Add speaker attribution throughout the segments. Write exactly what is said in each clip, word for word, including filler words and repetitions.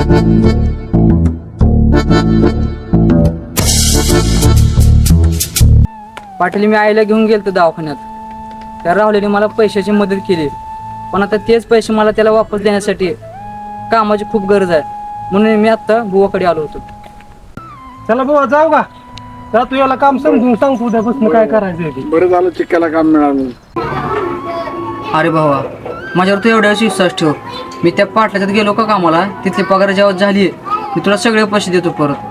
Speaker 1: पाटील मी आईला घेऊन गेलतो दवाखान्यात. त्या राहुलीने मला पैशाची मदत केली, पण आता तेच पैसे मला त्याला वापस देण्यासाठी कामाची खूप गरज आहे, म्हणून मी आता बुवाकडे आलो होतो.
Speaker 2: चला बुवा जाऊ का? जा तू याला काम समजून सांग उद्यापासून काय करायचं.
Speaker 3: बरं झालं चिक्क्याला काम मिळालं.
Speaker 1: अरे भावा, माझ्यावर तू एवढ्या विश्वास ठेव. मी त्या पाटल्यात गेलो का कामाला, तिथली पगार जेव्हा झाली मी तुला सगळे पैसे देतो परत.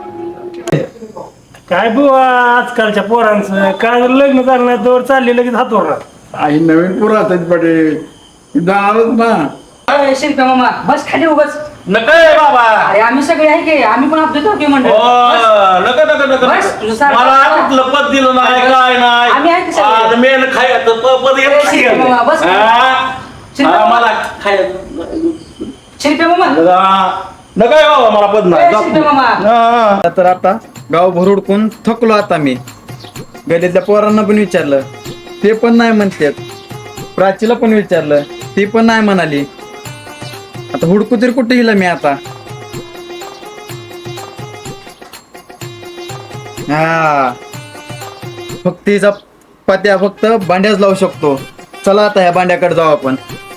Speaker 2: काय बुवा आजकालच्या पोरांचं काय लग्न झालं नाही तर चालले लगेच हातवर.
Speaker 3: आई नवीन पुरा पाटील जाणारच ना.
Speaker 1: शिल्पा मामा बस खाली उगाच.
Speaker 4: नका बाबा.
Speaker 1: अरे आम्ही सगळे आहे की, आम्ही पण आपले दोघे मंडळ.
Speaker 4: नका नका नका
Speaker 1: बस, तुझं सारखं-
Speaker 4: मला कुठलं पद दिलं नाही काय
Speaker 1: आम्ही आहे की सगळे?
Speaker 4: नाही मेन खायचं पद येत नाही.
Speaker 1: शिल्पा मामा, बस.
Speaker 4: हा?
Speaker 1: शिल्पा
Speaker 4: हा,
Speaker 1: मामा.
Speaker 4: मला खायचं
Speaker 1: शिल्पा मामा
Speaker 4: नका बाबा मला पद नाही.
Speaker 1: शिल्पा मामा
Speaker 5: तर आता गाव भरुडकून थकलो. आता मी गल्लीतल्या पोरांना पण विचारलं, ते पण नाही म्हणतात. प्राचीला पण विचारलं, ती पण नाही म्हणाली. आता हुडकू तरी कुठे गेला मी आता. हा फक्त तिचा पत्या फक्त भांड्याच लावू शकतो. चला आता ह्या भांड्याकडे जाऊ आपण.